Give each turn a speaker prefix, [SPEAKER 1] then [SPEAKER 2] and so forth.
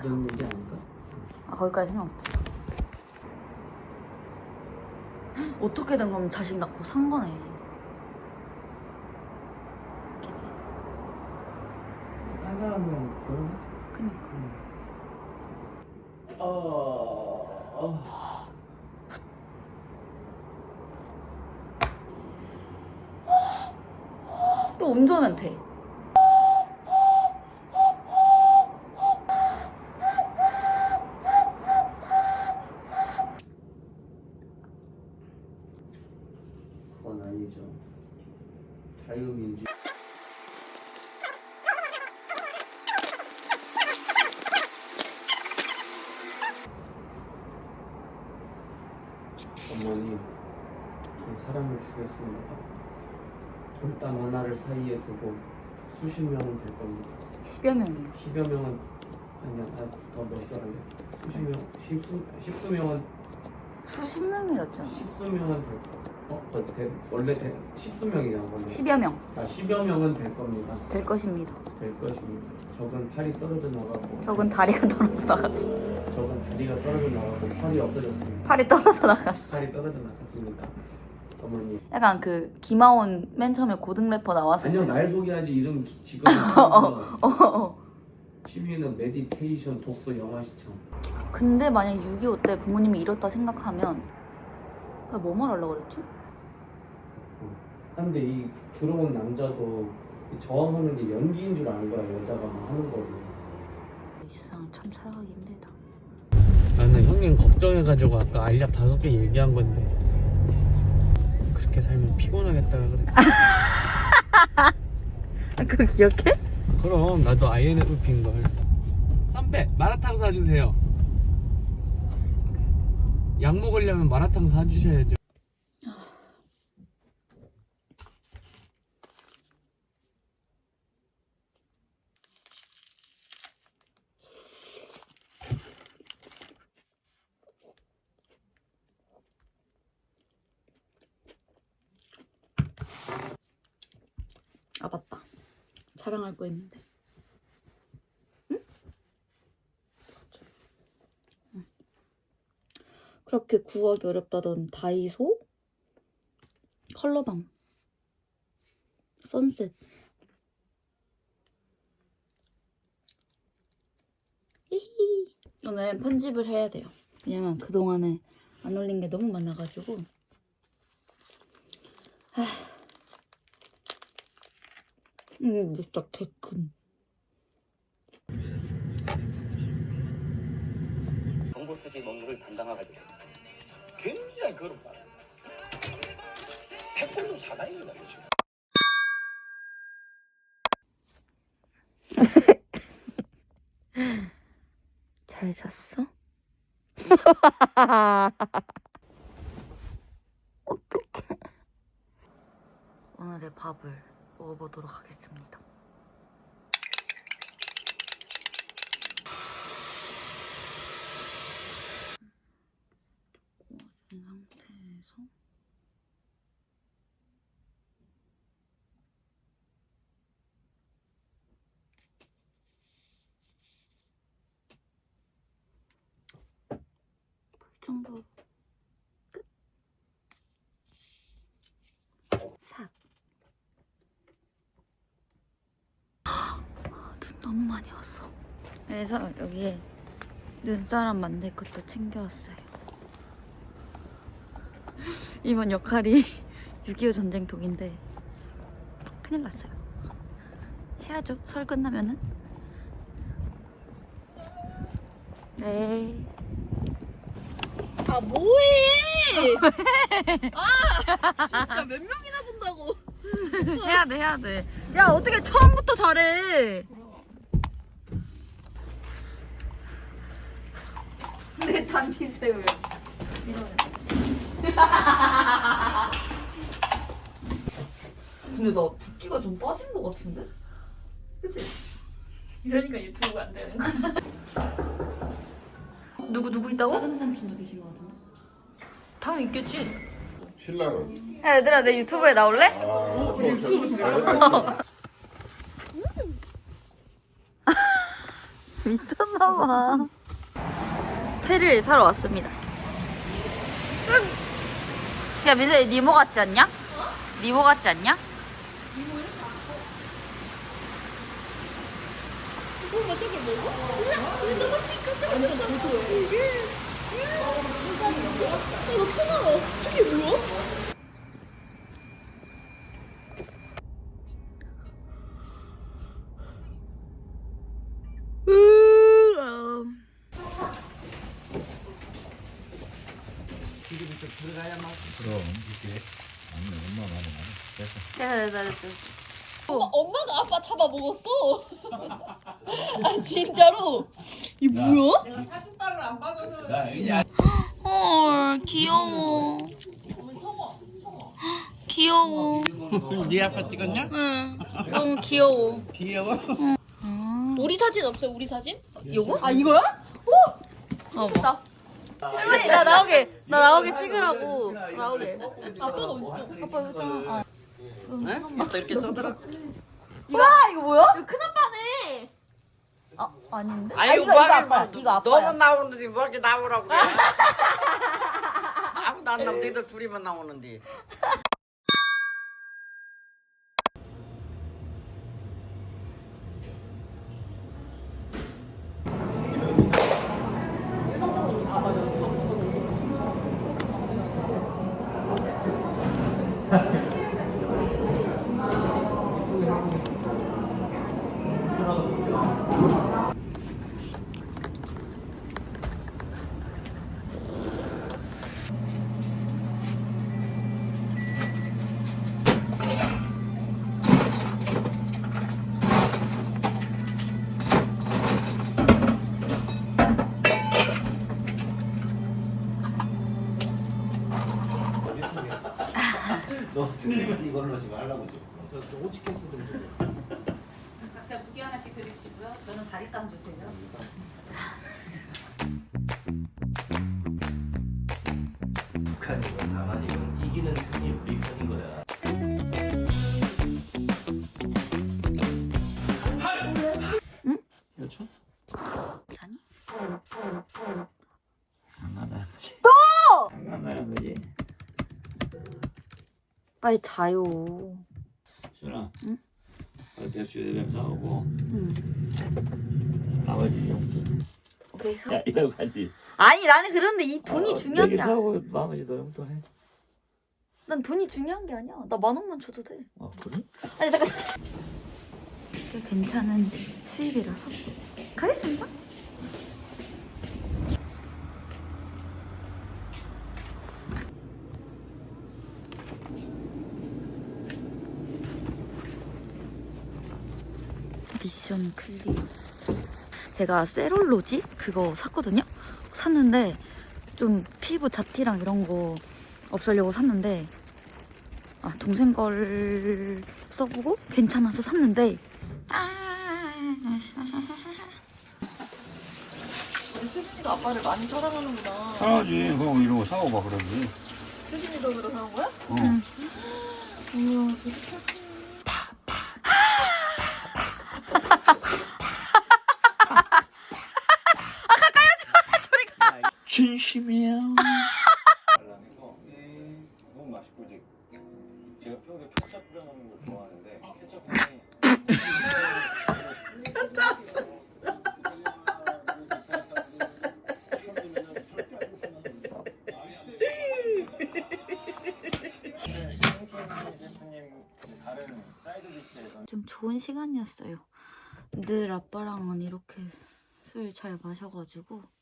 [SPEAKER 1] 그런 게 아닐까?
[SPEAKER 2] 아 거기까지 생각 못했어. 어떻게든 그럼 자식 낳고 산 거네. 그치?
[SPEAKER 1] 딴 사람이랑 결혼해?
[SPEAKER 2] 그니까. 또 운전하면 돼.
[SPEAKER 1] 그건 아니죠. 자유민주. 어머니, 전 사람을 죽였습니다. 돌담 하나를 사이에 두고 수십 명은 될 겁니다.
[SPEAKER 2] 10여 명이요.
[SPEAKER 1] 10여 명은 아니야, 더 멋있더라고요. 수십 명, 십수 명은
[SPEAKER 2] 수십 명이 낫잖아.
[SPEAKER 1] 십수 명은 될 거. 원래 십수 명이잖아. 원래.
[SPEAKER 2] 10여 명.
[SPEAKER 1] 자, 10여 명은 될 겁니다.
[SPEAKER 2] 될 것입니다.
[SPEAKER 1] 될 것입니다. 적은 팔이 떨어져 나가고.
[SPEAKER 2] 적은 다리가 떨어져 나갔어.
[SPEAKER 1] 적은 다리가 떨어져 나가고 팔이 없어졌습니다.
[SPEAKER 2] 팔이 떨어져 나갔어.
[SPEAKER 1] 팔이 떨어져 나갔습니다. 어머니.
[SPEAKER 2] 약간 그 김하온 맨 처음에 고등 래퍼 나왔을
[SPEAKER 1] 아니요,
[SPEAKER 2] 때.
[SPEAKER 1] 날 소개하지 이름 지금.
[SPEAKER 2] 어.
[SPEAKER 1] 취미는 메디테이션, 독서, 영화 시청.
[SPEAKER 2] 근데 만약 6.25 때 부모님이 이렇다 생각하면 나 뭐 말하려고 그랬지?
[SPEAKER 1] 근데 이 들어온 남자도 저항하는 게 연기인 줄 아는 거야. 여자가 막 하는 거를.
[SPEAKER 2] 이 세상을 참 살아가기 힘들다.
[SPEAKER 1] 나는 형님 걱정해가지고 아까 알약 5개 얘기한 건데 그렇게 살면 피곤하겠다 그랬지.
[SPEAKER 2] 그거 기억해?
[SPEAKER 1] 그럼 나도 INFP인 걸. 선배 마라탕 사주세요. 약 먹으려면 마라탕 사주셔야죠.
[SPEAKER 2] 아 맞다. 촬영할 거 있는데. 응? 응. 그렇게 구하기 어렵다던 다이소 컬러밤 선셋. 히히. 오늘은 편집을 해야 돼요. 왜냐면 그동안에 안 올린 게 너무 많아가지고. 진짜 개큰.
[SPEAKER 3] 정보 수집 업무를 담당하게 됐습니다. 굉장히 그런 말입니다. 태권도 사나이입니다, 지금.
[SPEAKER 2] 잘 잤어? 어떡해. 오늘의 밥을 먹어보도록 하겠습니다. 구워진 상태에서 불 정도 끝. 삭. 눈 너무 많이 왔어. 그래서 여기에 눈사람 만들 것도 챙겨왔어요. 이번 역할이 6.25 전쟁통인데 큰일 났어요. 해야죠. 설 끝나면은. 네.
[SPEAKER 4] 아 뭐해? 아 진짜 몇 명이나 본다고?
[SPEAKER 2] 해야 돼, 해야 돼. 야, 어떻게 처음부터 잘해? 내 단지 새우요. 근데 나 붓기가 좀 빠진 것 같은데? 그치?
[SPEAKER 4] 이러니까 유튜브가 안 되는 거야.
[SPEAKER 2] 누구 있다고? 작은 삼촌도 계신 것 같은데?
[SPEAKER 4] 당연히 있겠지.
[SPEAKER 5] 신랑은?
[SPEAKER 2] 야, 얘들아, 내 유튜브에 나올래? 미쳤나봐. 회를 사러 왔습니다. 야 민서 니모 같지 않냐? 니모 같지 않냐?
[SPEAKER 5] 그럼 이게 아니 엄마 말이 맞아. 됐어.
[SPEAKER 4] 엄마가 아빠 잡아 먹었어. 아 진짜로? 이 뭐야?
[SPEAKER 2] 헐 귀여워. 귀여워.
[SPEAKER 1] 네 아빠 찍었냐?
[SPEAKER 2] 응. 너무 귀여워.
[SPEAKER 1] 귀여워?
[SPEAKER 4] 우리 사진 없어요? 우리 사진?
[SPEAKER 2] 요거?
[SPEAKER 4] 아 이거야?
[SPEAKER 2] 나. 할머니 나 나오게 찍으라고. 나오게.
[SPEAKER 4] 아빠가 어딨어?
[SPEAKER 2] 아빠 이거 있잖아.
[SPEAKER 1] 맞다 이렇게 써더라.
[SPEAKER 2] 이거 뭐야?
[SPEAKER 4] 이거 큰아빠네.
[SPEAKER 2] 아닌데?
[SPEAKER 6] 아유,
[SPEAKER 2] 이거 아빠. 이거 아빠야.
[SPEAKER 6] 너만 나오는데 뭐 이렇게 나오라고 그래. 아무도 안 나오고 너희들 둘이만 나오는데.
[SPEAKER 3] 너 틀리면 이걸로 지금 하려고 지금.
[SPEAKER 7] 각자 무게 하나씩 드리시고요. 저는 다리깡 주세요.
[SPEAKER 3] 북한이고 남한이고 이기는 편이 우리 편인 거야.
[SPEAKER 1] 여쭈?
[SPEAKER 2] 아니.
[SPEAKER 1] 안 나가는 거지. 안 나가는 거지.
[SPEAKER 2] 빨리 자요.
[SPEAKER 1] 준아.
[SPEAKER 2] 응?
[SPEAKER 1] 백수 대병 사오고.
[SPEAKER 2] 응.
[SPEAKER 1] 아버지 용돈.
[SPEAKER 2] 오케이.
[SPEAKER 1] 야 이거 가지.
[SPEAKER 2] 아니 나는 그런데 이 돈이 중요한 게
[SPEAKER 1] 내게
[SPEAKER 2] 아니야.
[SPEAKER 1] 사고 나머지 너 용돈해.
[SPEAKER 2] 난 돈이 중요한 게 아니야. 나 10,000원만 줘도 돼.
[SPEAKER 1] 아 그래?
[SPEAKER 2] 아니 잠깐. 꽤 괜찮은 수입이라서 가겠습니다. 미션 클리어. 제가 세롤로지 그거 샀거든요. 샀는데 좀 피부 잡티랑 이런 거 없애려고 샀는데 동생 걸 써보고 괜찮아서 샀는데
[SPEAKER 4] 우리 수빈이가 아빠를 많이 사랑하는구나.
[SPEAKER 5] 사야지. 그럼 이런 거 사고 봐 그러지.
[SPEAKER 4] 수빈이 덕으로 사는 거야?
[SPEAKER 5] 어.
[SPEAKER 4] 우와 되게 착해.
[SPEAKER 1] 진심이야.
[SPEAKER 3] 너무 맛있고 이제 제가 평소에 케찹 뿌려 먹는 걸 좋아하는데 케찹이
[SPEAKER 2] 좀 좋은 시간이었어요. 늘 아빠랑은 이렇게 술 잘 마셔가지고